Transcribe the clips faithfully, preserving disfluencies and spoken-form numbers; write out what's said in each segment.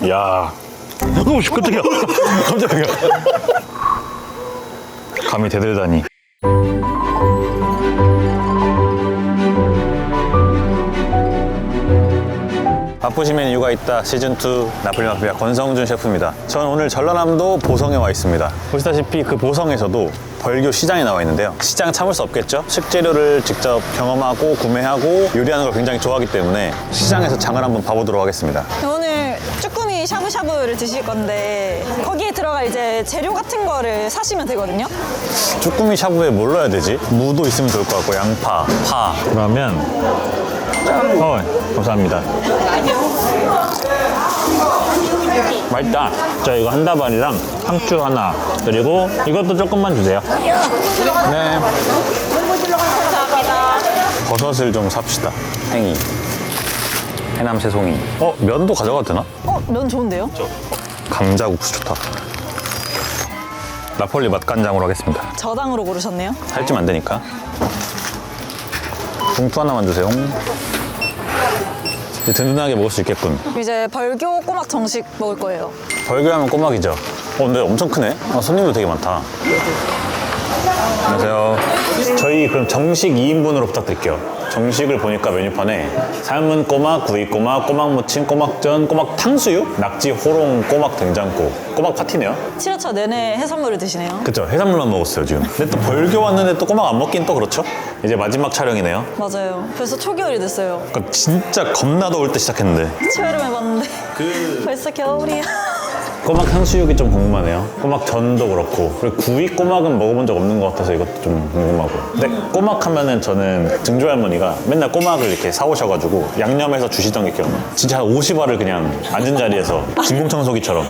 야, 오, 깜짝이야. 깜짝이야. 감히 대들다니. 바쁘시면 이유가 있다 시즌이 나폴리 마피아 권성준 셰프입니다. 저는 오늘 전라남도 보성에 와 있습니다. 보시다시피 그 보성에서도 벌교 시장에 나와 있는데요. 시장 참을 수 없겠죠? 식재료를 직접 경험하고 구매하고 요리하는 걸 굉장히 좋아하기 때문에 시장에서 장을 한번 봐보도록 하겠습니다. 오늘 쭈꾸미 샤브샤브를 드실 건데 거기에 들어갈 이제 재료 같은 거를 사시면 되거든요. 쭈꾸미 샤브에 뭘 넣어야 되지? 무도 있으면 좋을 것 같고 양파, 파. 그러면 어, 감사합니다. 맛있다. 자, 이거 한 다발이랑 상추 하나 그리고 이것도 조금만 주세요. 네. 버섯을 좀 삽시다. 행이, 해남 새송이. 어, 면도 가져가도 되나? 어, 면 좋은데요? 감자국수 좋다. 나폴리 맛간장으로 하겠습니다. 저당으로 고르셨네요. 살찌면 안 되니까. 봉투 하나만 주세요. 이제 든든하게 먹을 수 있겠군. 이제 벌교 꼬막 정식 먹을 거예요. 벌교하면 꼬막이죠. 어, 근데 엄청 크네. 아, 손님도 되게 많다. 안녕하세요. 저희 그럼 정식 이 인분으로 부탁드릴게요. 정식을 보니까 메뉴판에 삶은 꼬막, 구이 꼬막, 꼬막 무침, 꼬막전, 꼬막 탕수육, 낙지 호롱, 꼬막 된장국. 꼬막 파티네요. 칠 회차 내내 해산물을 드시네요. 그쵸, 해산물만 먹었어요 지금. 근데 또 벌교 왔는데 또 꼬막 안 먹긴 또 그렇죠? 이제 마지막 촬영이네요. 맞아요. 벌써 초겨울이 됐어요. 그러니까 진짜 겁나 더울 때 시작했는데 치열을 해봤는데 그 벌써 겨울이야. 꼬막 탕수육이 좀 궁금하네요. 꼬막 전도 그렇고 그리고 구이 꼬막은 먹어본 적 없는 것 같아서 이것도 좀 궁금하고. 근데 꼬막 하면은 저는 증조 할머니가 맨날 꼬막을 이렇게 사오셔가지고 양념해서 주시던 게 기억나요. 진짜 한 오십 알을 그냥 앉은 자리에서 진공청소기처럼.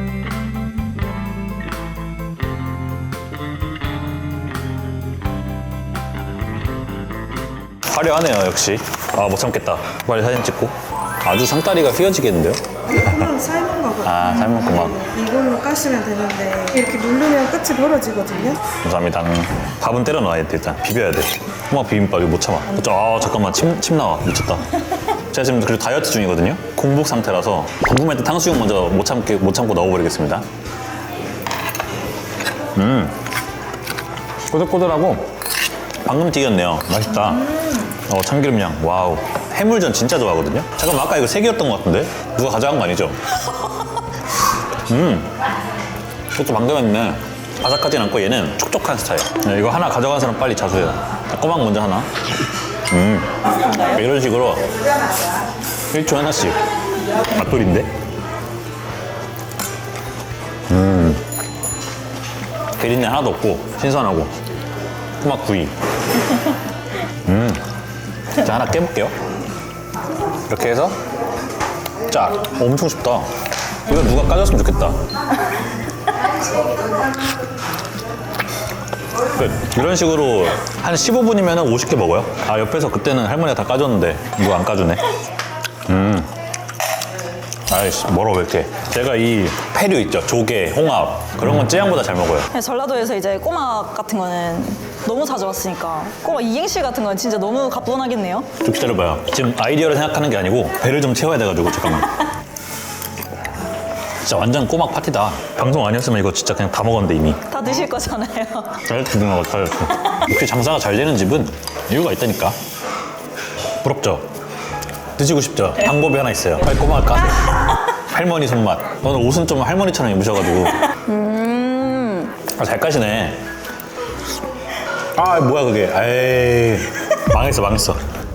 화려하네요 역시. 아 못 참겠다. 빨리 사진 찍고. 아주 상다리가 휘어지겠는데요? 이거는 삶은 거거든요. 아 삶은 꼬막. 이걸로 까시면 되는데 이렇게 누르면 끝이 벌어지거든요. 감사합니다. 밥은 때려 넣어야 돼 일단. 비벼야 돼. 꼬막 비빔밥 이거 못 참아. 아 잠깐만 침, 침 나와. 미쳤다. 제가 지금 그리고 다이어트 중이거든요. 공복 상태라서 궁금할 때 탕수육 먼저 못 참게 못 참고 넣어버리겠습니다. 음 꼬들꼬들하고 방금 튀겼네요. 맛있다. 어 참기름향. 와우. 해물전 진짜 좋아하거든요. 잠깐만 아까 이거 세 개였던 것 같은데? 누가 가져간 거 아니죠? 음 그것도 방금 했네. 바삭하진 않고 얘는 촉촉한 스타일. 네, 이거 하나 가져간 사람 빨리 자수해요. 꼬막 먼저 하나. 음 이런 식으로 일 초에 하나씩. 맛돌인데? 음 비린내 하나도 없고 신선하고 꼬막 구이. 음 자 하나 깨볼게요. 이렇게 해서 짜. 어, 엄청 쉽다. 이거 누가 까줬으면 좋겠다. 끝. 이런 식으로 한 십오 분이면 오십 개 먹어요. 아 옆에서 그때는 할머니가 다 까줬는데 누가 안 까주네. 음 아이씨 멀어 왜 이렇게. 제가 이 패류 있죠, 조개, 홍합 그런 건 쯔양보다 잘 먹어요. 전라도에서 이제 꼬막 같은 거는 너무 자주 왔으니까 꼬막 이행시 같은 건 진짜 너무 가뿐하겠네요. 좀 기다려봐요. 지금 아이디어를 생각하는 게 아니고 배를 좀 채워야 돼가지고 잠깐만. 진짜 완전 꼬막 파티다. 방송 아니었으면 이거 진짜 그냥 다 먹었는데 이미. 다 드실 거잖아요. 다이어트 중이라고 다이어트. 역시 장사가 잘 되는 집은 이유가 있다니까. 부럽죠? 드시고 싶죠? 방법이 하나 있어요. 빨리 꼬막을 까세요. 할머니 손맛. 오늘 옷은 좀 할머니처럼 입으셔가지고. 음. 아, 잘 까시네. 아 뭐야 그게. 에이 망했어 망했어.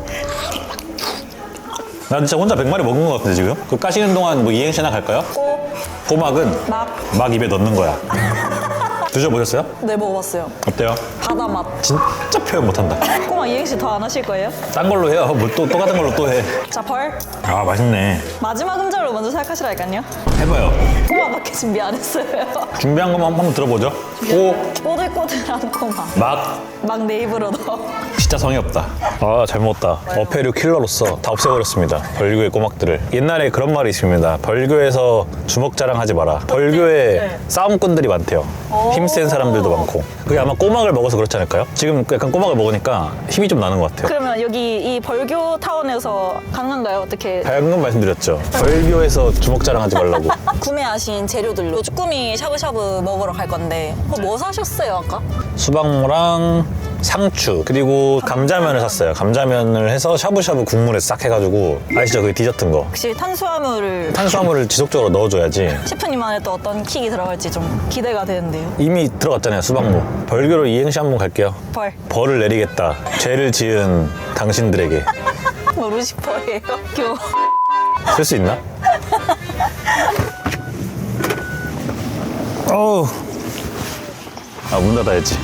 나 진짜 혼자 백 마리 먹은 것 같은데 지금? 그 까시는 동안 뭐 이행시나 갈까요? 꼬, 꼬막은 막. 막 입에 넣는 거야. 드셔보셨어요? 네, 먹어봤어요. 어때요? 바다 맛. 진짜 표현 못한다. 꼬막 이행시 더 안 하실 거예요? 딴 걸로 해요. 뭐 또 똑같은 걸로 또 해. 자, 벌. 아 맛있네. 마지막 음절로 먼저 생각하시라니까요. 해봐요. 꼬막밖에 준비 안 했어요. 준비한 것만 한번 들어보죠. 꼬, 꼬들꼬들한 꼬막. 막, 막 내 입으로 넣어. 진짜 성의 없다. 아, 잘 먹었다. 어패류 킬러로서 다 없애버렸습니다. 벌교의 꼬막들을. 옛날에 그런 말이 있습니다. 벌교에서 주먹 자랑하지 마라. 벌교에 네. 싸움꾼들이 많대요. 힘센 사람들도 많고. 그게 아마 꼬막을 먹어서 그런 그렇지 않을까요? 지금 약간 꼬막을 먹으니까 힘이 좀 나는 것 같아요. 그러면 여기 이 벌교 타운에서 가능한가요? 어떻게 방금 말씀드렸죠. 벌교에서 주먹 자랑하지 말라고. 구매하신 재료들로 쭈꾸미 샤브샤브 먹으러 갈 건데 어, 뭐 사셨어요 아까? 수박무랑 상추 그리고 감자면을 샀어요. 감자면을 해서 샤브샤브 국물에 싹 해가지고 아시죠? 그 디저트인 거. 혹시 탄수화물을 탄수화물을 지속적으로 넣어줘야지. 셰프님만의 또 어떤 킥이 들어갈지 좀 기대가 되는데요. 이미 들어갔잖아요. 수박무. 벌교로 이행시 한번 갈게요. 벌. 벌을 내리겠다. 죄를 지은 당신들에게. 뭐 루시퍼예요? 교. 쓸 수 있나? 어우. 아, 문 닫아야지.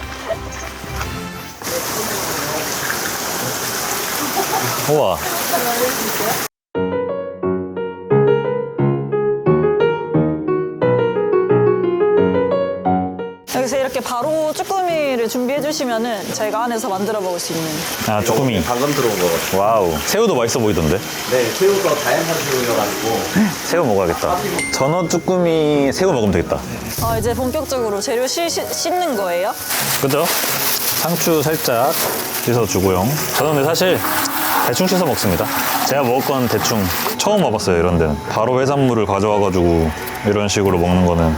우와. 여기서 이렇게 바로 쭈꾸미를 준비해 주시면은 저희가 안에서 만들어 먹을 수 있는. 아, 쭈꾸미. 방금 들어온 거거든요. 와우. 새우도 맛있어 보이던데? 네, 새우가 다양한 새우여가지고 새우 먹어야겠다. 전어 쭈꾸미 새우 먹으면 되겠다. 아, 이제 본격적으로 재료 씻, 씻는 거예요? 그죠? 상추 살짝 씻어주고요. 저는 근데 사실 대충 씻어 먹습니다. 제가 먹을 건 대충 처음 와봤어요, 이런 데는. 바로 해산물을 가져와가지고 이런 식으로 먹는 거는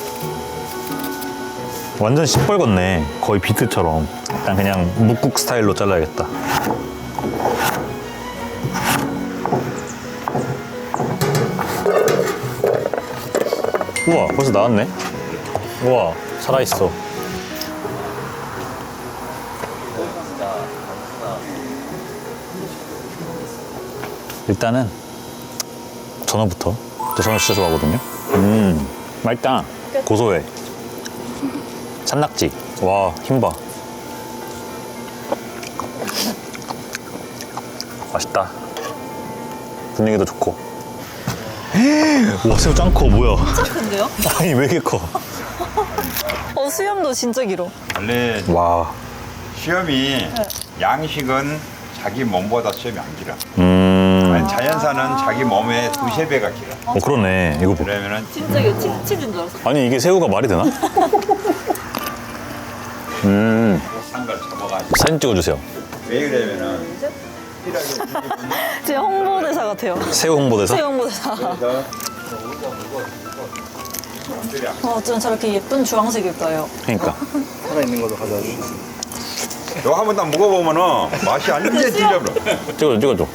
완전 시뻘겋네. 거의 비트처럼. 일단 그냥 묵국 스타일로 잘라야겠다. 우와, 벌써 나왔네. 우와, 살아있어. 일단은 전어부터. 저 전어 진짜 좋아하거든요. 음, 맛있다. 고소해. 산낙지. 와, 힘봐. 맛있다. 분위기도 좋고. 와, 새우 짱 커. 뭐야? 진짜 큰데요? 아니, 왜 이렇게 커? 어, 수염도 진짜 길어. 원래 와. 수염이 양식은 자기 몸보다 수염이 안 길어. 음. 아니, 자연산은 자기 몸의 두세 배가 길어. 어, 그러네. 이거 봐. 그러면은 진짜 이거 치, 치즈인 줄 알았어. 아니, 이게 새우가 말이 되나? 음. 산 걸 잡아가지고. 사진 찍어주세요. 왜 그러면은 제 홍보대사 같아요. 새우 홍보대사? 새우 홍보대사. 어, 어쩜 저렇게 예쁜 주황색일까요? 그러니까. 너 한 번 더 먹어보면은 맛이 완전 틀려버려. 찍어줘, 찍어줘.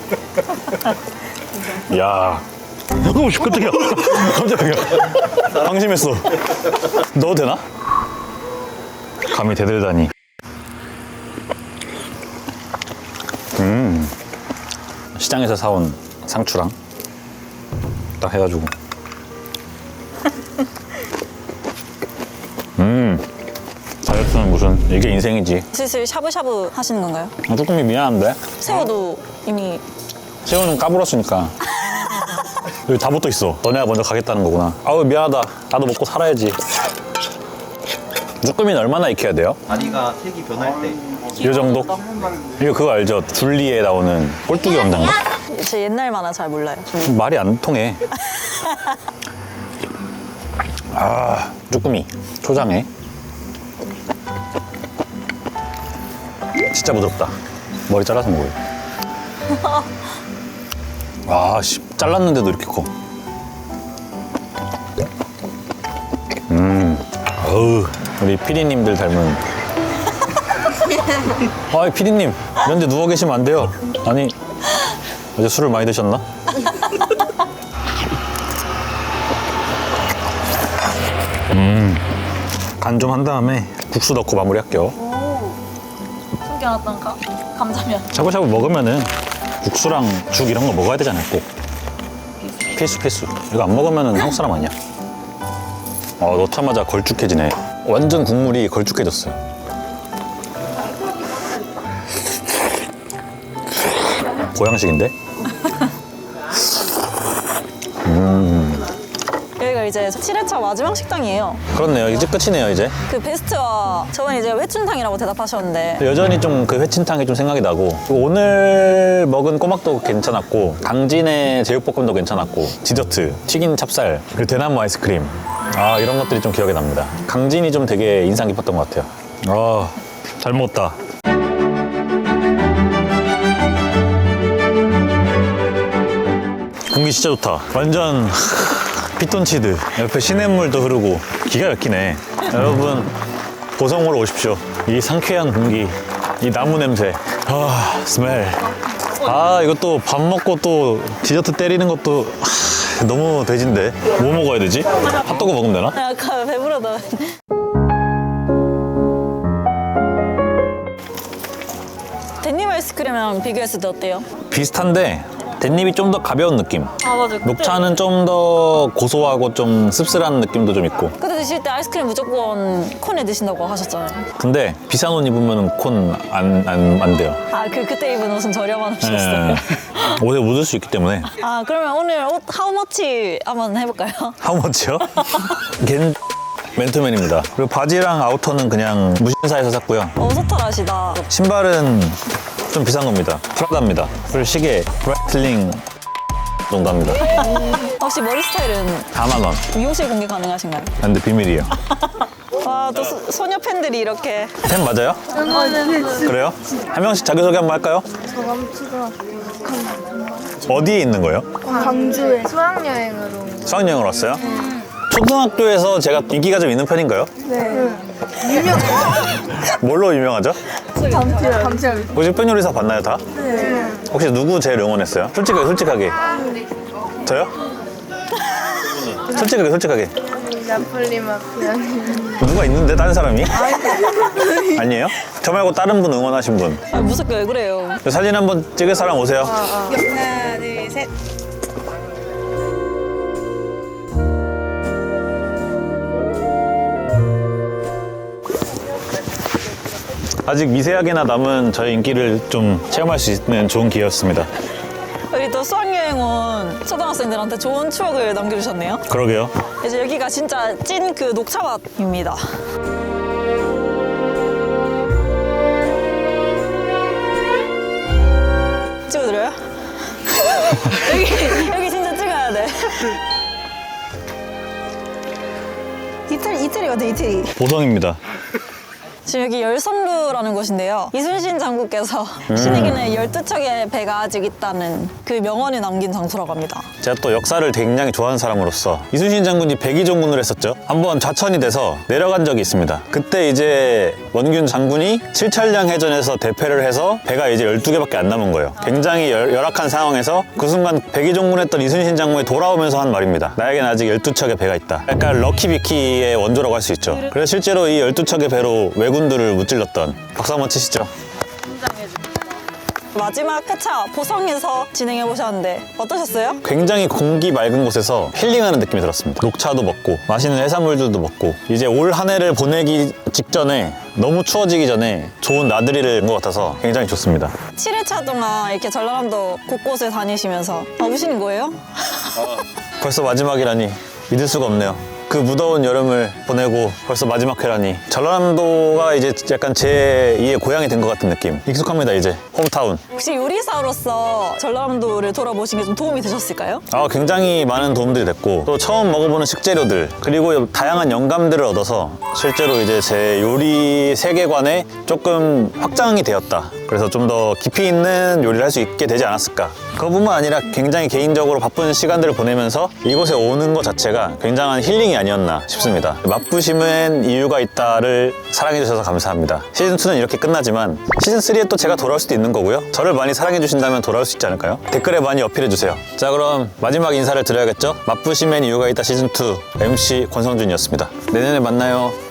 야. 오, 깜짝이야. 깜짝이야. 방심했어. 넣어도 되나? 감히 대들다니. 음. 시장에서 사온 상추랑 딱 해가지고. 음. 다이어트는 무슨, 이게 인생이지. 슬슬 샤브샤브 하시는 건가요? 아, 쭈꾸미 미안한데? 새우도 이미 새우는 까불었으니까. 여기 다 붙어 있어. 너네가 먼저 가겠다는 거구나. 아우, 미안하다. 나도 먹고 살아야지. 쭈꾸미는 얼마나 익혀야 돼요? 다리가 색이 변할 때 이 정도? 이거 그거 알죠? 줄리에 나오는 꼴뚜기 왕자인가? 제 옛날 만화 잘 몰라요. 말이 안 통해. 아, 쭈꾸미. 초장에. 진짜 부드럽다. 머리 잘라서 먹어요. 아, 씨. 잘랐는데도 이렇게 커. 음. 어우, 우리 피디님들 닮은. 아, 피디님. 이런 데 누워 계시면 안 돼요. 아니, 어제 술을 많이 드셨나? 음. 간 좀 한 다음에 국수 넣고 마무리할게요. 숨겨놨던 가, 감자면. 샤브샤브 먹으면은 국수랑 죽 이런 거 먹어야 되잖아요, 꼭. 필수, 필수. 이거 안 먹으면은 한국 사람 아니야. 어, 넣자마자 걸쭉해지네. 완전 국물이 걸쭉해졌어요. 보양식인데? 여기가 이제 칠 회차 마지막 식당이에요. 그렇네요. 이제 끝이네요, 이제. 그 베스트와 저번에 이제 회춘탕이라고 대답하셨는데 여전히 좀 그 회친탕이 좀 생각이 나고, 그리고 오늘 먹은 꼬막도 괜찮았고, 강진의 제육볶음도 괜찮았고, 디저트, 튀긴 찹쌀, 그리고 대나무 아이스크림. 아, 이런 것들이 좀 기억에 납니다. 강진이 좀 되게 인상 깊었던 것 같아요. 아, 잘 먹었다. 공기 진짜 좋다. 완전 피톤치드. 옆에 시냇물도 흐르고 기가 막히네. 여러분 보성으로 오십시오. 이 상쾌한 공기, 이 나무 냄새. 아 스멜. 아 이것도 밥 먹고 또 디저트 때리는 것도 하, 너무 돼지인데. 뭐 먹어야 되지? 핫도그 먹으면 되나? 아, 아까 배부르다. 데님 아이스크림이랑 비교했을 때 어때요? 비슷한데 댄잎이 좀 더 가벼운 느낌. 아 맞아. 녹차는 좀 더 고소하고 좀 씁쓸한 느낌도 좀 있고. 그때 드실 때 아이스크림 무조건 콘에 드신다고 하셨잖아요. 근데 비싼 옷 입으면 콘 안 안 안 돼요. 아 그 그때 입은 옷은 저렴한 옷이었어요. 예. 옷에 묻을 수 있기 때문에. 아 그러면 오늘 옷 하우머치 한번 해볼까요? 하우머치요? 겐 맨투맨입니다. 그리고 바지랑 아우터는 그냥 무신사에서 샀고요. 어 소탈하시다. 신발은 좀 비싼 겁니다. 프라다입니다. 그리고 시계 브라이틀링 농담입니다. 혹시 머리 스타일은 사만 원. 미용실 공개 가능하신가요? 근데 비밀이에요. 와 또 소녀 팬들이 이렇게 템 맞아요? 그래요? 한 명씩 자기소개 한번 할까요? 어디에 있는 거예요? 광주에 수학여행으로. 수학여행을 왔어요? 초등학교에서 제가 인기가 좀 있는 편인가요? 네. 유명. 뭘로 유명하죠? 감튀 감튀. 혹시 편 요리사 봤나요 다? 네. 혹시 누구 제일 응원했어요? 솔직하게 솔직하게. 저요? 솔직하게 솔직하게. 나폴리 마피아님. 누가 있는데 다른 사람이? 아니에요? 저 말고 다른 분 응원하신 분. 아, 무섭게 왜 그래요? 사진 한번 찍을 사람 오세요. 하나 둘 셋. 아직 미세하게나 남은 저의 인기를 좀 체험할 수 있는 좋은 기회였습니다. 우리 또 수학여행 온 초등학생들한테 좋은 추억을 남겨주셨네요. 그러게요. 이제 여기가 진짜 찐 그 녹차밭입니다. 찍어드려요? 여기, 여기 진짜 찍어야 돼. 이태리, 이태리 같아, 이태리. 보성입니다. 지금 여기 열섬루라는 곳인데요. 이순신 장군께서 신에게는 열두 척의 배가 아직 있다는 그 명언이 남긴 장소라고 합니다. 제가 또 역사를 굉장히 좋아하는 사람으로서 이순신 장군이 백의종군을 했었죠. 한번 좌천이 돼서 내려간 적이 있습니다. 그때 이제 원균 장군이 칠천량 해전에서 대패를 해서 배가 이제 열두 개밖에 안 남은 거예요. 굉장히 열, 열악한 상황에서 그 순간 백의종군했던 이순신 장군이 돌아오면서 한 말입니다. 나에겐 아직 열두 척의 배가 있다. 약간 럭키비키의 원조라고 할 수 있죠. 그래서 실제로 이 열두 척의 배로 왜군들을 무찔렀던. 박수 한번 치시죠. 마지막 회차 보성에서 진행해 보셨는데 어떠셨어요? 굉장히 공기 맑은 곳에서 힐링하는 느낌이 들었습니다. 녹차도 먹고 맛있는 해산물들도 먹고 이제 올 한 해를 보내기 직전에 너무 추워지기 전에 좋은 나들이를 온 것 같아서 굉장히 좋습니다. 칠 회차 동안 이렇게 전라남도 곳곳을 다니시면서 아, 우시는 거예요? 벌써 마지막이라니 믿을 수가 없네요. 그 무더운 여름을 보내고 벌써 마지막 회라니 전라남도가 이제 약간 제이의 고향이 된 것 같은 느낌. 익숙합니다 이제. 홈타운. 혹시 요리사로서 전라남도를 돌아보신 게 좀 도움이 되셨을까요? 아, 굉장히 많은 도움들이 됐고 또 처음 먹어보는 식재료들 그리고 다양한 영감들을 얻어서 실제로 이제 제 요리 세계관에 조금 확장이 되었다. 그래서 좀 더 깊이 있는 요리를 할 수 있게 되지 않았을까. 그것뿐만 아니라 굉장히 개인적으로 바쁜 시간들을 보내면서 이곳에 오는 것 자체가 굉장한 힐링이 아니었나 싶습니다. 맛부심은 이유가 있다를 사랑해주셔서 감사합니다. 시즌이는 이렇게 끝나지만 시즌삼에 또 제가 돌아올 수도 있는 거고요. 저를 많이 사랑해주신다면 돌아올 수 있지 않을까요? 댓글에 많이 어필해주세요. 자, 그럼 마지막 인사를 드려야겠죠? 맛부심엔 이유가 있다 시즌이 엠씨 권성준이었습니다. 내년에 만나요.